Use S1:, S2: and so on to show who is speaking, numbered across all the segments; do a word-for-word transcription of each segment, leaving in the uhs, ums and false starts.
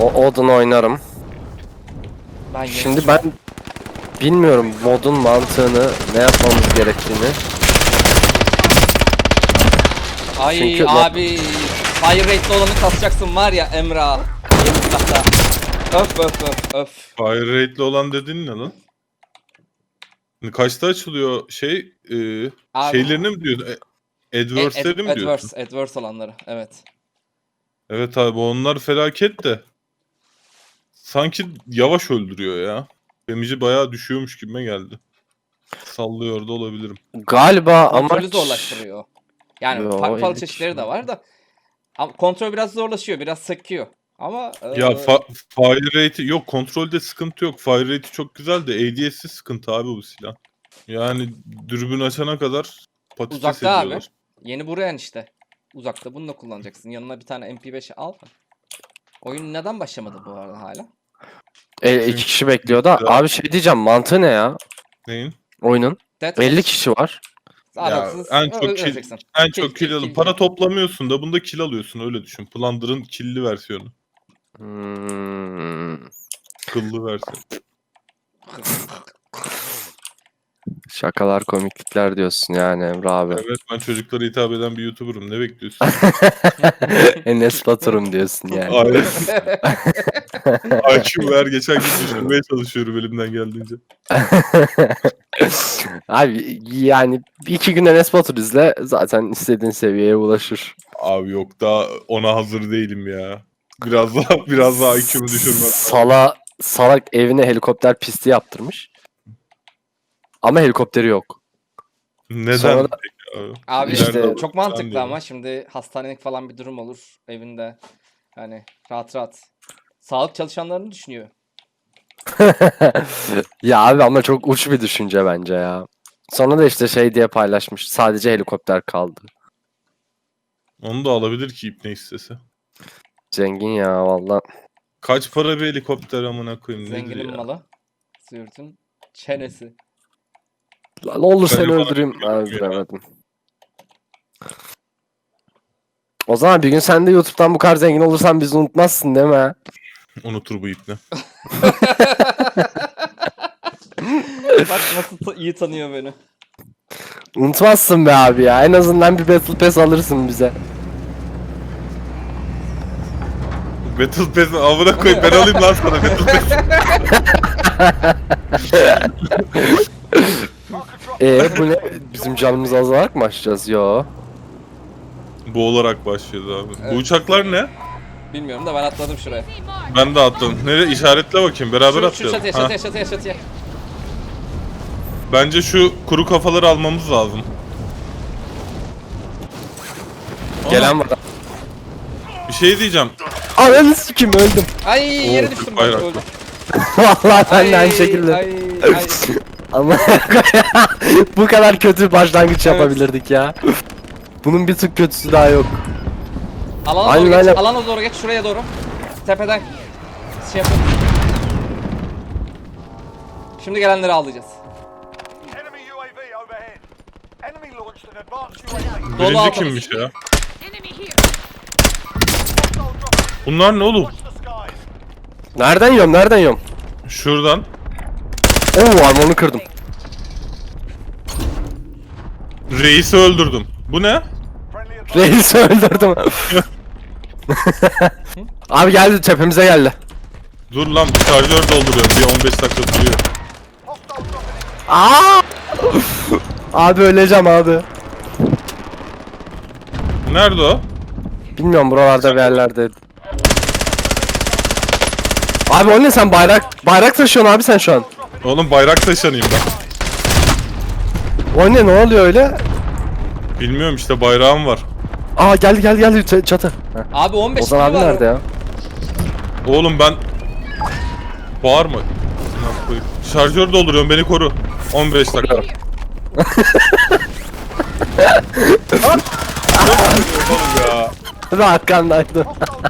S1: O Odin oynarım.
S2: Ben
S1: Şimdi ben bilmiyorum modun mantığını, ne yapmamız gerektiğini.
S2: Ay
S1: Çünkü
S2: abi fire rate'li olanı kasacaksın var ya Emrah. Yeni silahta. Öf öf öf öf.
S3: Fire rate'li olan dediğin ne lan? Kaçta açılıyor şey? E,
S2: Abi.
S3: şeylerini mi diyorsun? E, Adverse'leri mi diyorsun?
S2: Adverse, adverse olanları evet.
S3: Evet abi onlar felaket de. Sanki yavaş öldürüyor ya. Damage'i bayağı düşüyormuş gibime geldi. Sallıyor da olabilirim.
S1: Galiba
S2: Kontrolü
S1: amaç...
S2: zorlaştırıyor. Yani
S1: Yo,
S2: farklı farklı
S1: elli
S2: çeşitleri
S1: kişi.
S2: de var da. Ama kontrol biraz zorlaşıyor, biraz sıkıyor. Ama
S3: Ya
S2: eee,
S3: fa- fire rate'i yok, kontrolde sıkıntı yok. Fire rate'i çok güzel de A D S'i sıkıntı abi bu silah. Yani dürbün açana kadar patates
S2: uzakta abi.
S3: ediyorlar.
S2: Yeni buraya işte. Uzakta bunu da kullanacaksın. Yanına bir tane M P beş al. Oyun neden başlamadı bu arada hala?
S1: E, iki
S3: Çünkü-
S1: kişi bekliyor da.
S3: Ya.
S1: Abi şey diyeceğim, mantığı ne ya
S3: Neyin?
S1: oyunun?
S2: Dead
S1: elli kişi var.
S2: Aralıksız
S3: en çok
S2: ö-
S3: kill-
S2: öleceksin.
S3: En
S2: Kill,
S3: çok
S2: kill,
S3: kill alın.
S2: kill,
S3: Para
S2: kill.
S3: toplamıyorsun da bunda kill alıyorsun, öyle düşün. Plunder'ın kill'li versiyonu.
S1: Hmm.
S3: Kıllı versiyonu.
S1: Şakalar, komiklikler diyorsun yani Emre abi.
S3: Evet, ben çocuklara hitap eden bir YouTuber'ım. Ne bekliyorsun?
S1: Enes Batur'um diyorsun yani.
S3: Aynen. I Q ver, geçen gün düşürmeye çalışıyorum elimden geldiğince.
S1: Abi yani iki gün Enes Batur izle zaten istediğin seviyeye ulaşır.
S3: Abi yok, daha ona hazır değilim ya. Biraz daha biraz daha I Q'mu düşürmem.
S1: Sala, salak evine helikopter pisti yaptırmış. Ama helikopteri yok.
S3: Neden?
S1: Sonra da-
S3: peki abi?
S2: Abi
S1: İşte-
S3: İleride
S2: çok
S3: alırsan
S2: mantıklı
S3: diyorum.
S2: ama şimdi hastanelik falan bir durum olur evinde. Hani rahat rahat. Sağlık çalışanlarını düşünüyor.
S1: Ya abi ama çok uç bir düşünce bence ya. Sonra da işte şey diye paylaşmış. Sadece helikopter kaldı.
S3: Onu da alabilir ki ipne istese.
S1: Zengin ya valla.
S3: Kaç para bir helikopter amına koyayım, nedir
S2: Zenginin
S3: ya?
S2: malı. Sürtün çenesi.
S1: Lan olur seni
S3: Bence bana
S1: öldüreyim.
S3: bilmiyorum ya.
S1: Öldüremedim. O zaman bir gün sen de YouTube'dan bu kadar zengin olursan bizi unutmazsın değil mi?
S3: Unutur bu ipne.
S2: Bak nasıl ta- iyi tanıyor beni.
S1: Unutmazsın be abi ya. En azından bir Battle Pass alırsın bize.
S3: Battle Pass'ı amına koyayım, ben alayım lan sana Battle Pass.
S1: Eee bu ne? Bizim canımız azalarak mı açacağız? Yo.
S3: Bu olarak başlıyordu abi.
S2: Evet.
S3: Bu uçaklar ne?
S2: Bilmiyorum da ben atladım şuraya.
S3: Ben de atladım. Nereye? İşaretle bakayım. Beraber
S2: Şu, şu
S3: atlayalım.
S2: çatıya
S3: Ha,
S2: çatıya çatıya çatıya.
S3: Bence şu kuru kafaları almamız lazım.
S1: Gelen var.
S3: Bir şey diyeceğim.
S1: Ananı sikim öldüm.
S2: Ay yere
S3: Oo,
S2: düştüm
S3: Türk
S2: ben
S3: bayraklı.
S2: öldüm.
S1: Vallahi ben de
S2: Ay,
S1: aynı şekilde.
S2: Ay, ay.
S1: Ama bu kadar kötü başlangıç
S2: Evet.
S1: yapabilirdik ya. Bunun bir tık kötüsü daha yok.
S2: Alana
S1: Aynen,
S2: doğru geç,
S1: aynen.
S2: alana doğru geç, şuraya doğru. Tepeden şey yapın. Şimdi gelenleri ağlayacağız.
S4: Enemy U A V overhead. Enemy launched an advanced U A V.
S2: Dolu
S3: Birinci
S2: altımız.
S3: kimmiş ya?
S5: Enemy here.
S4: Hostile dropping.
S3: Bunlar ne oğlum?
S4: Watch the skies.
S1: Nereden yiyorum? Nereden yiyorum?
S3: Şuradan.
S1: Oo armorunu kırdım.
S3: Reis'i öldürdüm. Bu ne?
S4: Friendly advanced.
S1: Reis'i öldürdüm. Abi geldi tepemize geldi.
S3: Dur lan, bir şarjör dolduruyorum. Bir on beş dakika sürüyor.
S4: Hostile dropping.
S1: Aa! Abi öleceğim abi.
S3: Nerede o?
S1: Bilmiyorum buralarda bir yerlerde. Abi o ne, sen bayrak bayrak taşıyorsun abi sen şu an.
S3: Oğlum bayrak taşanayım ben.
S1: O ne, ne oluyor öyle?
S3: Bilmiyorum işte, bayrağım var.
S1: Aa geldi geldi geldi ç- çatı. Heh.
S2: Abi on beş
S1: Ozan
S2: kilo
S1: abi
S2: var.
S1: nerede ya?
S3: Oğlum ben... Bağırma. Ne yapayım? Şarjör dolduruyorum, beni koru. on beş dakika. Oğlum ya.
S1: Ve arkandaydı.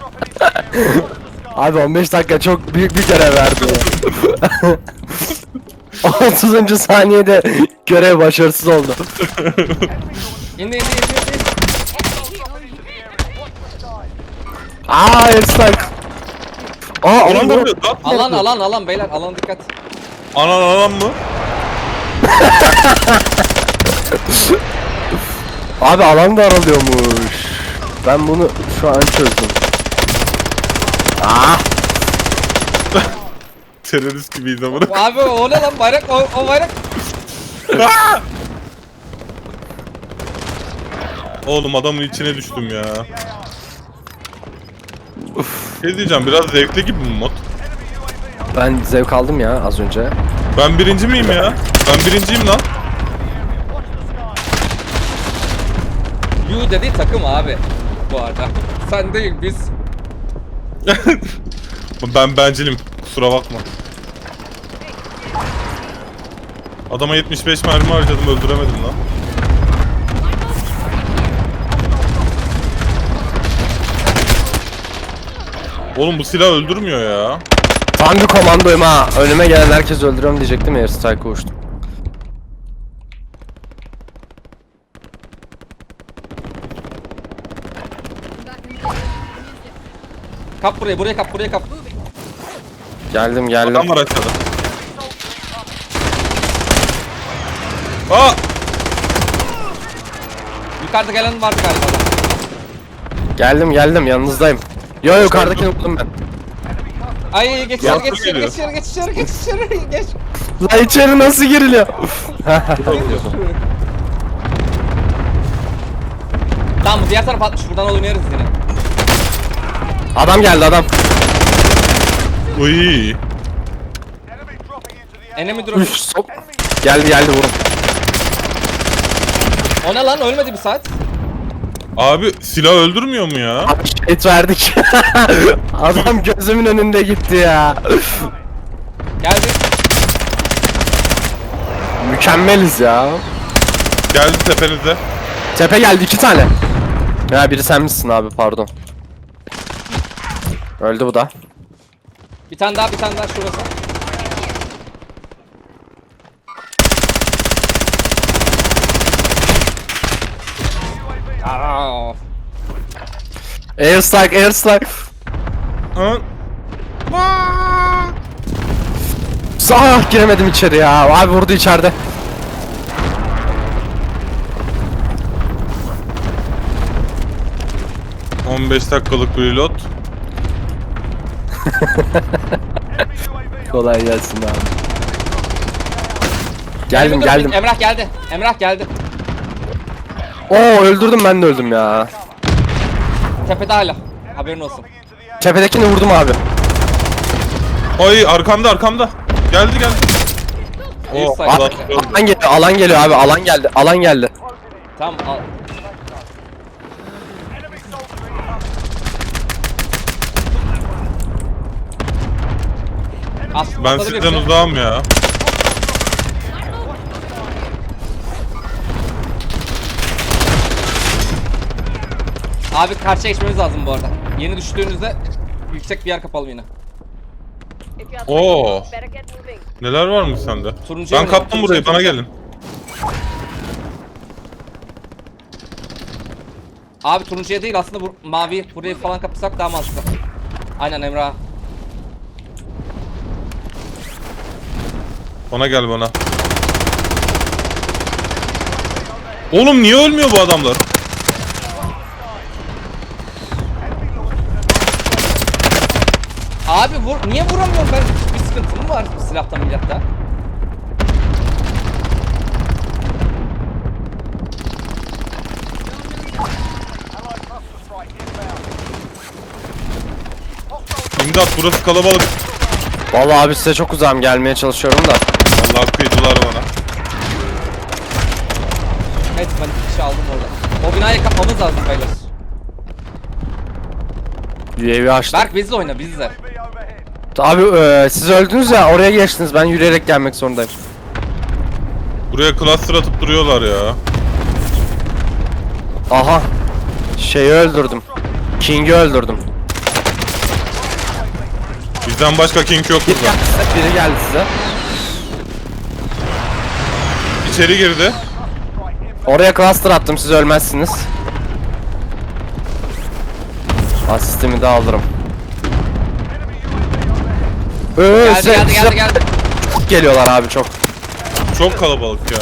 S1: Abi on beş dakika çok büyük bir görev verdi ya. otuzuncu saniyede görev başarısız oldu.
S2: İndi indi indi indi.
S1: Aa airstrike. Aa
S3: Oğlum
S1: alan
S3: ne
S1: da
S3: oluyor? Gat mı
S2: Alan
S3: oldu?
S2: alan alan beyler alan dikkat.
S3: Anan alan mı?
S1: Abi alan da aralıyormuş. Ben bunu şu an çözdüm. Ah!
S3: Terörist gibiyiz ama.
S2: Abi o ne lan bayrak o, o bayrak.
S3: Oğlum adamın içine düştüm ya. Ne diyeceğim, biraz zevkli gibi mi mod?
S1: Ben zevk aldım ya az önce.
S3: Ben birinci miyim ya? Ben birinciyim lan.
S2: You dedi takım abi. Bu arada. Sen değil biz.
S3: Ben bencilim. Kusura bakma. Adama yetmiş beş mermi harcadım, öldüremedim lan. Oğlum bu silah öldürmüyor ya.
S1: Tam bir komandoyum ha. Önüme gelen herkes öldürüyorum diyecektim ya. Airstrike'a uçtum.
S2: Kap buraya buraya kap buraya kap.
S1: Geldim geldim.
S3: Adam var aşağıda. Aa!
S2: Yukarıda gelen vardı galiba. da.
S1: Geldim geldim yanınızdayım. Yo yukarıdakini vurdum ben.
S2: Ay geç
S3: Yansın
S2: içeri geç içeri
S3: geliyor.
S2: geç içeri geç içeri geç içeri geç.
S1: La içeri nasıl giriliyor?
S2: Tamam diğer taraf atmış buradan oynarız yine.
S1: Adam geldi adam.
S3: Uy.
S4: Enemy dropping into the A R.
S2: Enemy drop.
S1: Üf sok. Geldi geldi vurun.
S2: O ne lan ölmedi bir saat.
S3: Abi silah öldürmüyor mu ya?
S1: Abi şehit verdik. Adam gözümün önünde gitti ya.
S2: Geldi.
S1: Mükemmeliz ya.
S3: Geldi tepenize.
S1: Tepe geldi iki tane. Ya biri sen misin abi pardon. Öldü bu da.
S2: Bir tane daha bir tane daha şurası. Aa.
S1: Airstrike airstrike.
S3: Ha?
S1: Ah giremedim içeri ya. Abi vurdu içeride.
S3: on beş dakikalık bir reload.
S1: Kolay gelsin abi. Geldim
S2: Enemy
S1: geldim.
S2: dropping. Emrah geldi. Emrah geldi.
S1: Oo öldürdüm ben de öldüm ya.
S2: Tepede hala. Haberin olsun.
S1: Tepedekini vurdum abi.
S3: Ay arkamda arkamda. Geldi geldi.
S2: İyi
S3: Oh,
S2: sayı.
S3: Allah.
S1: Alan geliyor alan geliyor abi alan geldi alan geldi.
S2: Tamam al. As,
S3: Ben
S2: atladı
S3: sizden
S2: birisi.
S3: uzağım ya.
S2: Abi karşıya geçmemiz lazım bu arada. Yeni düştüğünüzde yüksek bir yer kapalım yine.
S3: Oo. Neler varmış sende?
S2: Turuncuya
S3: Ben
S2: mı?
S3: kaptım burayı, bana
S2: Turuncuya.
S3: gelin.
S2: Abi turuncuya değil aslında bu mavi burayı falan kapatsak daha mantıklı. Aynen Emrah.
S3: Bana gel bana. Oğlum niye ölmüyor bu adamlar?
S2: Abi vur niye vuramıyorum ben? Bir sıkıntım var silahta milatta.
S4: Allied cluster strike inbound.
S3: İmdat, burası kalabalık.
S1: Vallahi abi size çok uzağım gelmeye çalışıyorum da.
S3: Allah kıydılar bana.
S2: Evet ben iki kişi aldım orada. O binayı kapmamız lazım beyler.
S1: U A V açtım.
S2: Berk bizle oyna bizle.
S4: U A V overhead.
S1: Abi e, siz öldünüz ya oraya geçtiniz ben yürüyerek gelmek zorundayım.
S3: Buraya cluster atıp duruyorlar ya.
S1: Aha. Şeyi öldürdüm. King'i öldürdüm.
S3: Bizden başka king yok
S1: Biri
S3: burada.
S1: geldi size. Biri geldi size.
S3: İçeri girdi.
S1: Oraya cluster attım siz ölmezsiniz. Asistimi de alırım.
S4: Enemy U A V
S1: Ee,
S2: Geldi
S1: size-
S2: geldi
S1: size
S2: geldi geldi.
S1: çok geliyorlar abi çok.
S3: Çok kalabalık ya.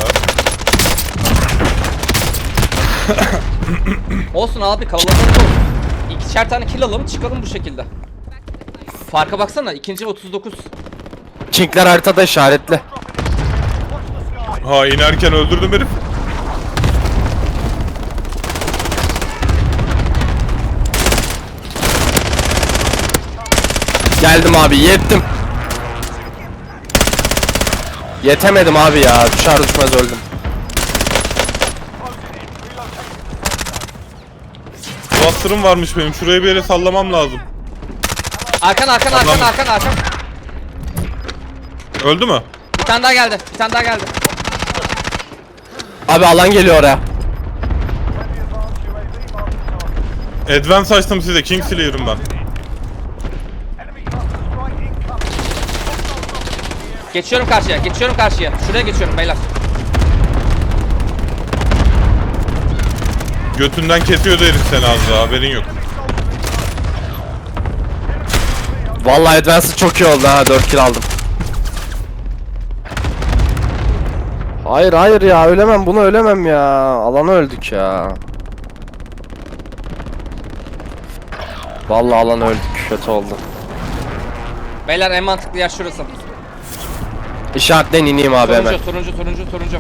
S2: Olsun abi kalabalık olsun. İkişer tane kill alalım çıkalım bu şekilde. Farka baksana ikinci otuz dokuz.
S1: Çinkler haritada işaretli.
S4: Watch the sky.
S3: Ha inerken öldürdüm herif.
S1: Geldim abi yettim. Yetemedim abi ya. Düşer düşmez öldüm.
S3: Cluster'ım varmış benim. Şuraya bir yere sallamam lazım.
S2: Arkan arkan arkan
S3: Adam-
S2: arkan arkan.
S3: Öldü mü?
S2: Bir tane daha geldi. Bir tane daha geldi.
S1: Abi alan geliyor oraya.
S4: Friendly advanced U A V marking target.
S3: Advance açtım size. Kingslayer'ım ben.
S4: Enemy cluster strike incoming.
S2: Geçiyorum karşıya. Geçiyorum karşıya. Şuraya geçiyorum beyler.
S3: Götünden kesiyordu herif seni az daha. Haberin yok.
S1: Vallahi Advance'ı çok iyi oldu ha. dört kill aldım. Hayır hayır ya ölemem bunu ölemem ya. Alana öldük ya. Vallahi alana öldük. Kötü oldu.
S2: Beyler en mantıklı yer şurası.
S1: İşaretten ineyim abi hemen.
S2: Turuncu turuncu turuncu turuncu.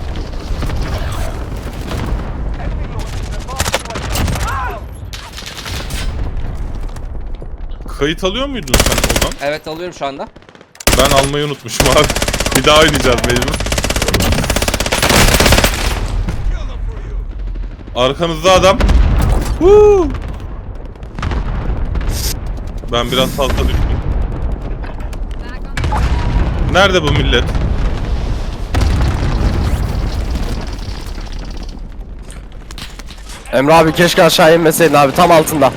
S3: Kayıt alıyor muydun sen oradan?
S2: Evet alıyorum şu anda.
S3: Ben almayı unutmuşum abi. Bir daha oynayacağız mecbur. Arkanızda adam. Woo! Ben biraz fazla düştüm. Nerede bu millet?
S1: Emre abi keşke aşağı inmeseydin abi tam altında.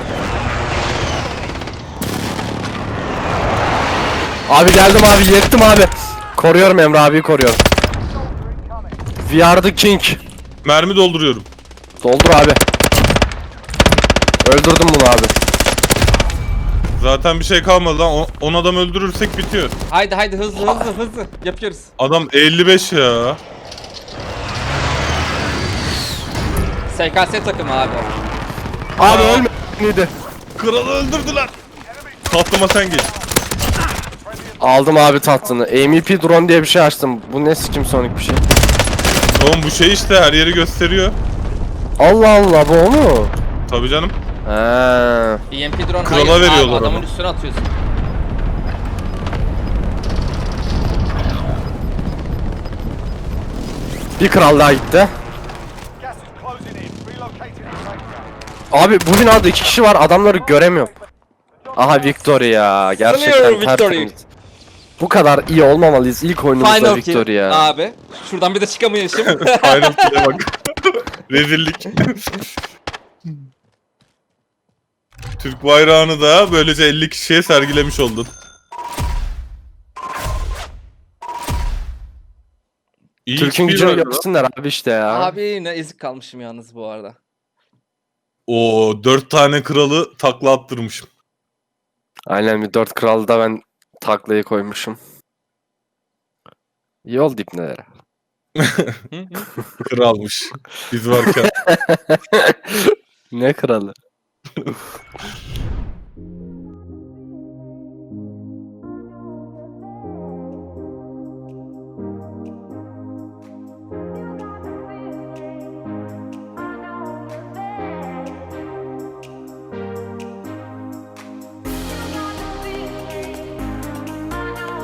S1: Abi geldim abi yettim abi. Koruyorum Emre abiyi koruyorum. We are the king.
S3: Mermi dolduruyorum.
S1: Doldur abi. Öldürdüm bunu abi.
S3: Zaten bir şey kalmadı lan. on adam öldürürsek bitiyor.
S2: Haydi haydi hızlı hızlı hızlı. Yapıyoruz.
S3: Adam elli beş ya.
S2: S K S takımı abi.
S1: Abi
S3: Aa.
S1: ölmedi.
S3: Kralı öldürdüler. Tatlıma sen geç.
S1: Aldım abi tatlını. A M P drone diye bir şey açtım. Bu ne sikim sonik bir şey.
S3: Oğlum bu şey işte her yeri gösteriyor.
S1: Allah Allah bu o mu?
S3: Tabii canım.
S1: He.
S2: E M P drone
S3: Krala
S2: hayır abi,
S3: veriyorlar
S2: adamın
S3: onu.
S2: üstüne atıyorsun.
S1: Bir kral daha gitti.
S4: Gas is closing in. Relocating the safe zone.
S1: Abi bu binada iki kişi var adamları göremiyorum. Aha Victory ya. Gerçekten
S2: Sanıyorum Victory.
S1: tertemiz. Bu kadar iyi olmamalıyız ilk oyunumuzda
S2: Final
S1: Victory
S2: kill
S1: ya.
S2: abi. Şuradan bir de çıkamayışım.
S3: Aynen şuraya bak. Rezillik. Türk bayrağını da böylece elli kişiye sergilemiş oldun. İyi
S1: Türk'ün
S3: X P
S1: gücünü
S3: var lan.
S1: görsünler abi işte ya.
S2: Abi ne ezik kalmışım yalnız bu arada.
S3: Oo dört tane kralı takla attırmışım.
S1: Aynen bir dört kralı da ben taklayı koymuşum. İyi oldu ipnelere.
S2: Hı hı.
S3: Kralmış. Biz varken.
S1: Ne kralı?